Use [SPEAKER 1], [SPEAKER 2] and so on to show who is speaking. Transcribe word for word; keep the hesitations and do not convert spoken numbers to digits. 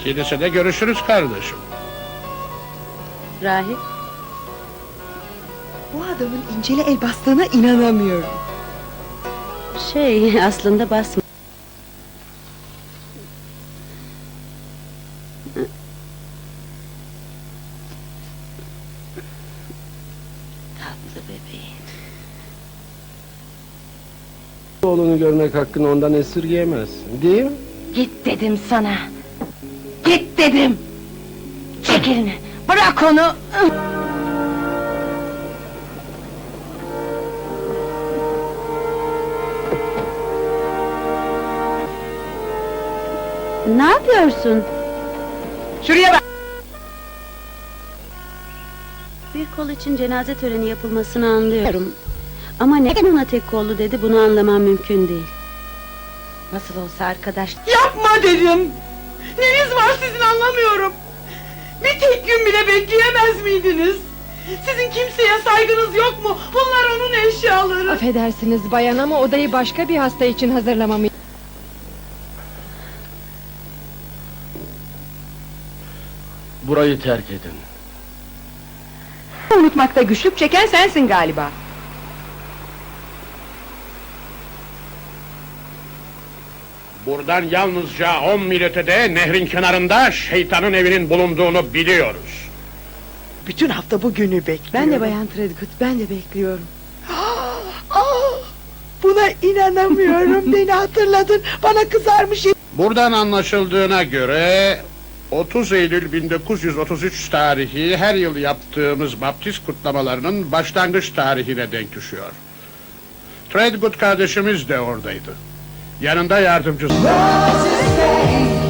[SPEAKER 1] Kilisede görüşürüz kardeşim.
[SPEAKER 2] Rahip,
[SPEAKER 3] Bu adamın İncil'e el bastığına inanamıyorum.
[SPEAKER 2] şey aslında basma. Tatlı bebeğim.
[SPEAKER 4] Oğlunu görmek hakkını ondan esirgeyemezsin, değil mi?
[SPEAKER 5] Git dedim sana. Git dedim. Çek elini. Bırak onu.
[SPEAKER 2] Ne yapıyorsun?
[SPEAKER 5] Şuraya bak.
[SPEAKER 2] Bir kol için cenaze töreni yapılmasını anlıyorum. Ama neden ona tek kollu dedi, bunu anlamam mümkün değil.
[SPEAKER 5] Nasıl olsa arkadaş.
[SPEAKER 3] Yapma dedim! Neniz var sizin anlamıyorum! Bir tek gün bile bekleyemez miydiniz? Sizin kimseye saygınız yok mu? Bunlar onun eşyaları!
[SPEAKER 6] Affedersiniz bayan ama odayı başka bir hasta için hazırlamamı...
[SPEAKER 4] Burayı terk edin.
[SPEAKER 3] Unutmakta güçlük çeken sensin galiba!
[SPEAKER 1] Buradan yalnızca on mil ötede, nehrin kenarında şeytanın evinin bulunduğunu biliyoruz.
[SPEAKER 3] Bütün hafta bu günü bekliyorum.
[SPEAKER 6] Ben de bayan Tredgood, ben de bekliyorum.
[SPEAKER 3] Ah, buna inanamıyorum! Beni hatırladın! Bana kızarmış!
[SPEAKER 1] Buradan anlaşıldığına göre... otuz Eylül bin dokuz yüz otuz üç tarihi her yıl yaptığımız baptist kutlamalarının başlangıç tarihine denk düşüyor. Threadgood kardeşimiz de oradaydı. Yanında yardımcısı.